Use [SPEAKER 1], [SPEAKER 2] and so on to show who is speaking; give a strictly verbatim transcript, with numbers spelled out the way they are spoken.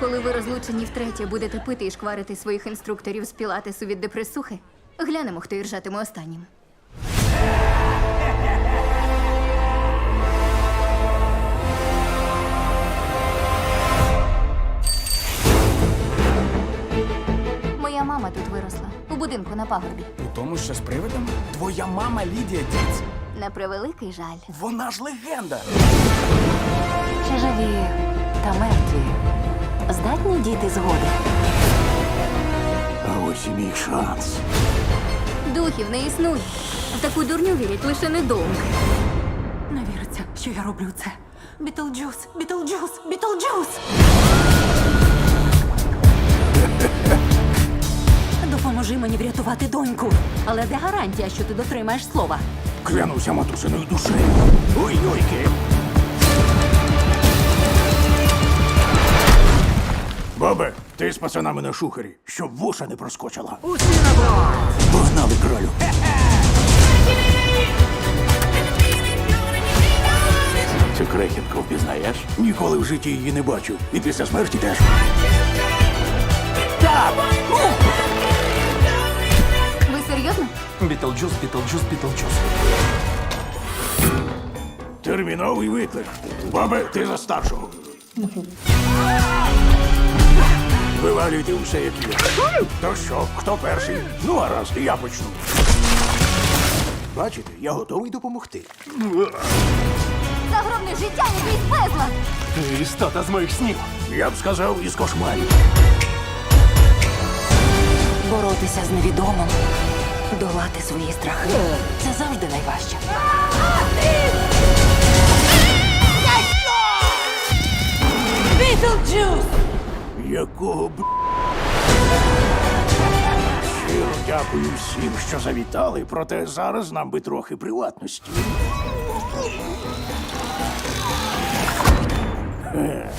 [SPEAKER 1] Коли ви розлучені втретє будете пити і шкварити своїх інструкторів з пілатесу від депресухи, глянемо, хто іржатиме останнім. Моя мама тут виросла, у будинку на пагорбі.
[SPEAKER 2] У тому, що з привидом? Твоя мама Лідія Діц.
[SPEAKER 1] На превеликий жаль.
[SPEAKER 2] Вона ж легенда.
[SPEAKER 3] Чи живі та мертві здатні діти згоди?
[SPEAKER 4] А ось і мій шанс.
[SPEAKER 1] Духів не існує. В таку дурню вірять лише недовго.
[SPEAKER 3] Не віриться, що я роблю це. Бітлджус, Бітлджус, Бітлджус! Допоможи мені врятувати доньку. Але де гарантія, що ти дотримаєш слова?
[SPEAKER 4] Клянуся матусиною душею. Ой-йойки. Бабе, ти з пацанами на шухері, щоб вуша не проскочила.
[SPEAKER 2] Усі на борт!
[SPEAKER 4] Погнали, кралю. Цю крехітку впізнаєш? Ніколи в житті її не бачив. І після смерті теж. Так!
[SPEAKER 1] Ви серйозно?
[SPEAKER 2] Бітлджус, Бітлджус, Бітлджус.
[SPEAKER 4] Терміновий виклик. Бабе, ти за старшого. Вивалюйте усе, як є. То що, хто перший? Ну, гаразд, я почну. Бачите, я готовий допомогти.
[SPEAKER 1] Загробне життя ніби із пезла!
[SPEAKER 2] Ти істота з моїх снів.
[SPEAKER 4] Я б сказав, із кошмарів.
[SPEAKER 3] Боротися з невідомим, долати свої страхи. Це завжди найважче. Бітлджус!
[SPEAKER 4] Якого б... Щиро дякую всім, що завітали, проте зараз нам би трохи приватності. Е.